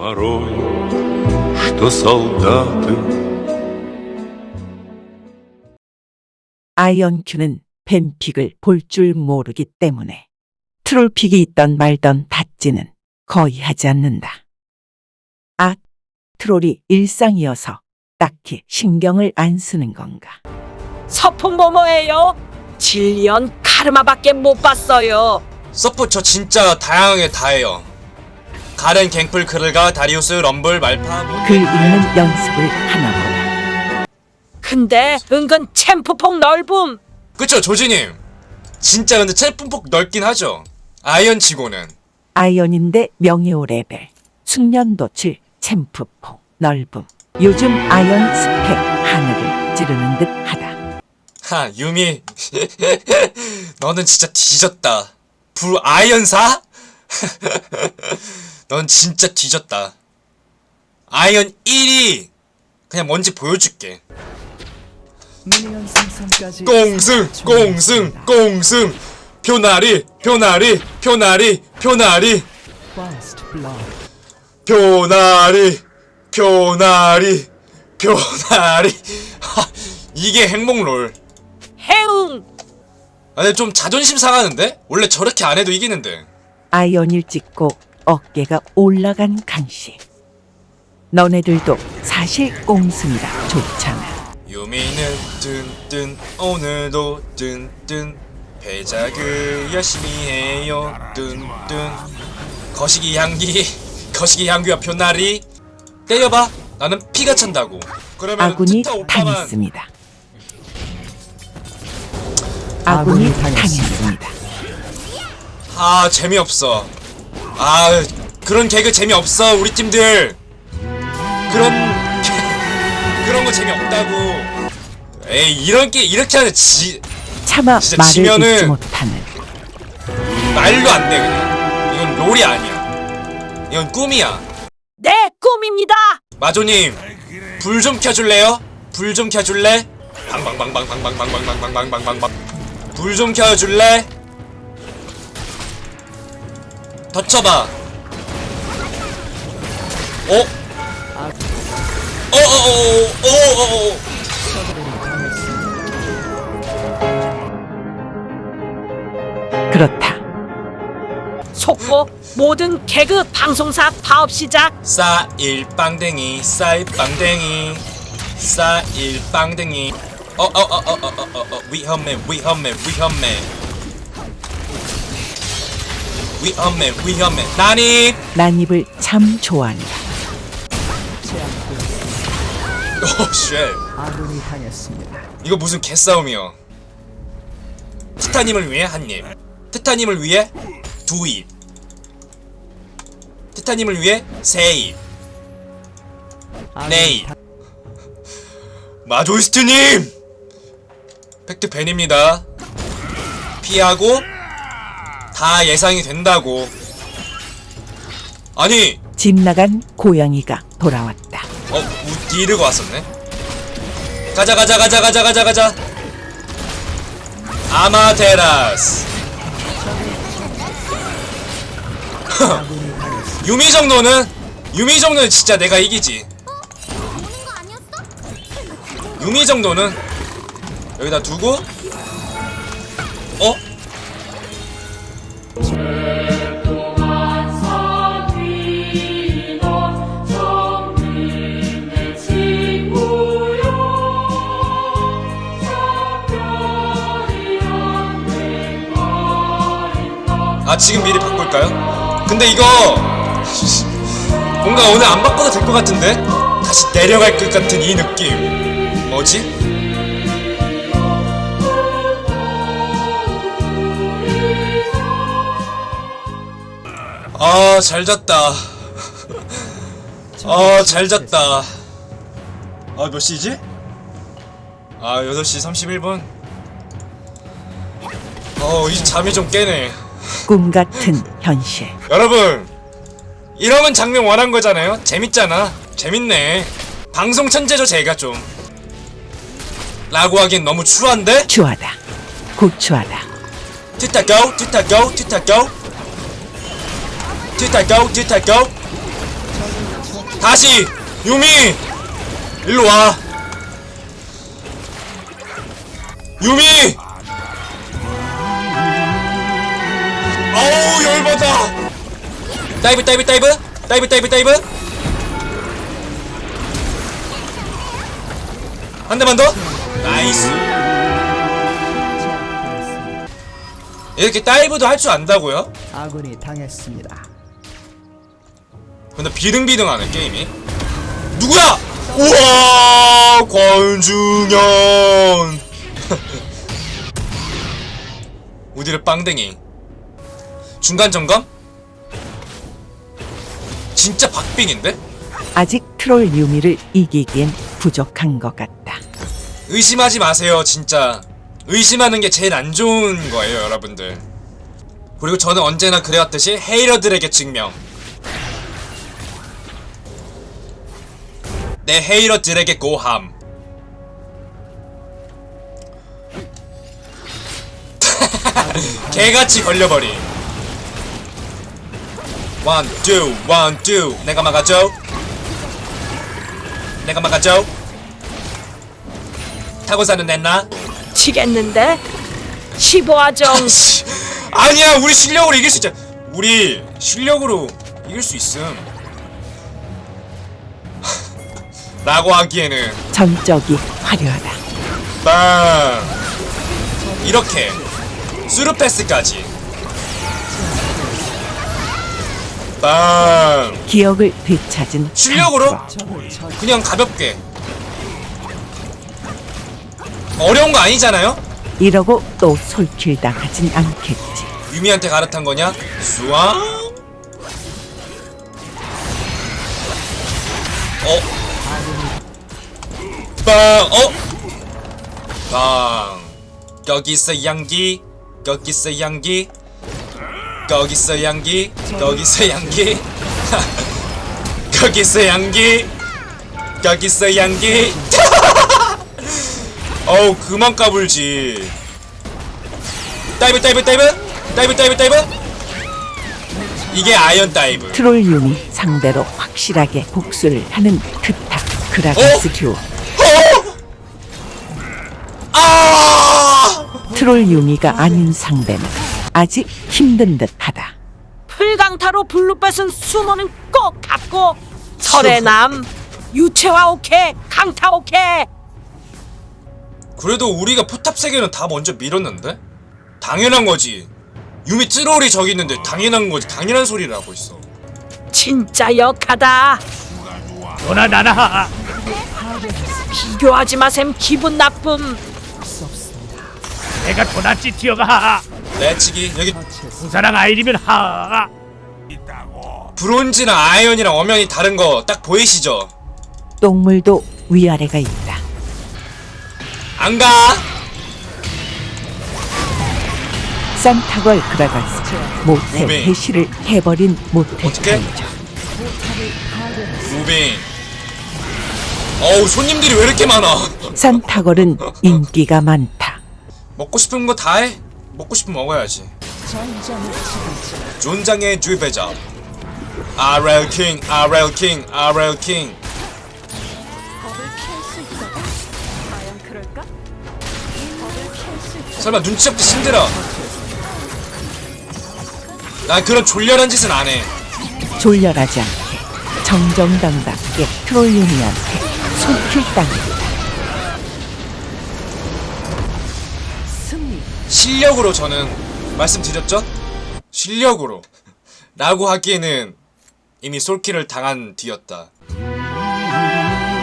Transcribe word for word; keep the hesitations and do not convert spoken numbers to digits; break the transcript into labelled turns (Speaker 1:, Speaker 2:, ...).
Speaker 1: Порой, что солдаты.
Speaker 2: 아이언큐는 뱀픽을 볼 줄 모르기 때문에 트롤픽이 있던 말던 닷지는 거의 하지 않는다. 아, 트롤이 일상이어서 딱히 신경을 안 쓰는 건가?
Speaker 3: 서폿 뭐뭐예요? 질리언 카르마밖에 못 봤어요.
Speaker 4: 서포 저 진짜 다양하게 다 해요. 가렌, 갱플, 크를가, 다리우스, 럼블, 말파 뭐...
Speaker 2: 글 읽는 연습을 하나 보다.
Speaker 3: 근데 은근 챔프폭 넓음.
Speaker 4: 그쵸 조지님. 진짜 근데 첼품폭 넓긴 하죠. 아이언 치고는.
Speaker 2: 아이언인데 명예호 레벨, 숙련도 칠, 챔프폭, 넓음. 요즘 아이언 스펙 하늘을 찌르는 듯 하다.
Speaker 4: 하 유미 너는 진짜 뒤졌다. 불 아이언사? 넌 진짜 뒤졌다. 아이언 일이 그냥 뭔지 보여줄게. 꽁승 꽁승 꽁승 표나리 표나리 표나리 표나리 표나리 표나리 표나리 하, 이게 행복롤.
Speaker 3: 해웅.
Speaker 4: 아 근데 좀 자존심 상하는데? 원래 저렇게 안 해도 이기는데.
Speaker 2: 아이언일 찍고 어깨가 올라간 강씨. 너네들도 사실 꽁승이라 좋잖아.
Speaker 4: 유미는 뜬뜬 오늘도 뜬뜬 배작을 열심히 해요 뜬뜬 거시기 향기 거시기 향기와 표나리 때려봐. 나는 피가 찬다고. 그러면
Speaker 2: 아군이
Speaker 4: 트타 오빠만
Speaker 2: 당했습니다. 아군이 당했습니다.
Speaker 4: 아 재미없어. 아 그런 개그 재미없어 우리 팀들. 그런 그런 거 재미없다고. 에이 이런 게 이렇게 하는 지
Speaker 2: 차마
Speaker 4: 진짜
Speaker 2: 말을
Speaker 4: 지면은
Speaker 2: 잇지 못하는
Speaker 4: 말도 안 돼 그냥. 이건 롤이 아니야. 이건 꿈이야.
Speaker 3: 네, 꿈입니다.
Speaker 4: 마조님 불 좀 켜줄래요? 불 좀 켜줄래? 방방방방방방방방방방방방방 불 좀 켜줄래? 더 쳐봐. 어? 어어어어어어어
Speaker 2: 그렇다.
Speaker 3: 속보 모든 개그 방송사 파업 시작.
Speaker 4: 싸일 빵댕이 싸일 빵댕이 싸일 빵댕이 어어어어어어어 위험해 위험해 위험해 위험해 위험해 나니.
Speaker 2: 난입을 참 좋아한다.
Speaker 4: 오쉣 이거 무슨 개싸움이야. 티타님을 위해 한입, 티타님을 위해 두입, 티타님을 위해 세입, 네입. 마조이스트님! 팩트 벤입니다. 피하고 다 예상이 된다고. 아니
Speaker 2: 집 나간 고양이가 돌아왔다.
Speaker 4: 어? 우 디르가 왔었네? 가자 가자 가자 가자 가자 가자 아마테라스. 유미 정도는 유미 정도는 진짜 내가 이기지. 유미 정도는 여기다 두고 어? 아 지금 미리 바꿀까요? 근데 이거 뭔가 오늘 안 바꿔도 될 것 같은데? 다시 내려갈 것 같은 이 느낌 뭐지? 아 잘 잤다. 아 잘 잤다. 아 몇 시지? 아 여덟 시 삼십일 분. 어 이 잠이 좀 깨네.
Speaker 2: 꿈 같은 현실.
Speaker 4: 여러분 이러면 장면 원한 거잖아요. 재밌잖아. 재밌네. 방송 천재죠 제가 좀. 라고 하기엔 너무 추한데?
Speaker 2: 추하다. 고추하다.
Speaker 4: 티타 고! 티타 고! 티타 고! 티타 고! 티타 고! 다시 유미 일로 와. 유미. 어우 열받아. 다이브 다이브 다이브 다이브 다이브 다이브. 한 대만 더. 나이스. 이렇게 다이브도 할 줄 안다고요?
Speaker 5: 아군이 당했습니다.
Speaker 4: 근데 비등비등하네 게임이. 누구야? 우와 권중현. 우디를 빵댕이. 중간 점검? 진짜 박빙인데?
Speaker 2: 아직 트롤 유미를 이기기엔 부족한 것 같다.
Speaker 4: 의심하지 마세요 진짜. 의심하는 게 제일 안 좋은 거예요 여러분들. 그리고 저는 언제나 그래왔듯이 헤이러들에게 증명. 내 헤이러들에게 고함. 개같이 걸려버림. 원, 투, 원, 투. 내가 막아줘. 내가 막아줘. 타고 사는 냈나?
Speaker 3: 치겠는데? 십오 화정.
Speaker 4: 씨, 아니야 우리 실력으로 이길 수 있잖아. 우리 실력으로 이길 수 있음. 라고 하기에는
Speaker 2: 전적이 화려하다.
Speaker 4: 빵 이렇게 수루패스까지 빵
Speaker 2: 기억을 되찾은
Speaker 4: 실력으로
Speaker 2: 상투어.
Speaker 4: 그냥 가볍게. 어려운 거 아니잖아요?
Speaker 2: 이러고 또 솔킬 당하진 않겠지.
Speaker 4: 유미한테 갈아탄 거냐? 수왕? 어? 빵! 어? 빵! 거기서 양기, 거기서 양기, 거기서 양기, 거기서 양기, 거기서 양기, 거기서 양기. 어우 그만 까불지. 다이브 다이브 다이브 다이브 다이브 다이브. 이게 아이언 다이브.
Speaker 2: 트롤 유미 상대로 확실하게 복수를 하는 크타 그라가스 듀오.
Speaker 4: 아!
Speaker 2: 트롤 유미가 아닌 상대는 아직 힘든 듯하다.
Speaker 3: 풀강타로 블루뱃은 수모는 꼭 갖고. 설해남. 유채화 오케이. 강타 오케이.
Speaker 4: 그래도 우리가 포탑 세 개는 다 먼저 밀었는데? 당연한 거지. 유미 트롤이 저기 있는데 당연한 거지. 당연한 소리를 하고 있어.
Speaker 3: 진짜 역하다.
Speaker 6: 너나 나나
Speaker 3: 비교하지 마셈. 기분 나쁨.
Speaker 6: 내가 더 낫지 티어가
Speaker 4: 내치기 여기
Speaker 6: 부사랑 아이리면 하
Speaker 4: 브론즈랑 아이언이랑 엄연히 다른 거 딱 보이시죠?
Speaker 2: 똥물도 위아래가 있다.
Speaker 4: 안 가.
Speaker 2: 산타걸 그라가스 모태
Speaker 4: 무빙.
Speaker 2: 해시를 해버린 모태
Speaker 4: 어떡해?
Speaker 2: 타이저.
Speaker 4: 무빙. 어우 손님들이 왜 이렇게 많아?
Speaker 2: 산타걸은 인기가 많다.
Speaker 4: 먹고 싶은 거 다 해. 먹고 싶으면 먹어야지. 존장의 주배자. 아렐 킹, 아렐 킹, 아렐 킹. 설마 눈치 없게 힘들어. 난 그런 졸렬한 짓은 안 해.
Speaker 2: 졸렬하지 않게 정정당당하게 트롤 유미한테 손길당했다.
Speaker 4: 실력으로 저는 말씀드렸죠? 실력으로 라고 하기에는 이미 솔킬을 당한 뒤였다.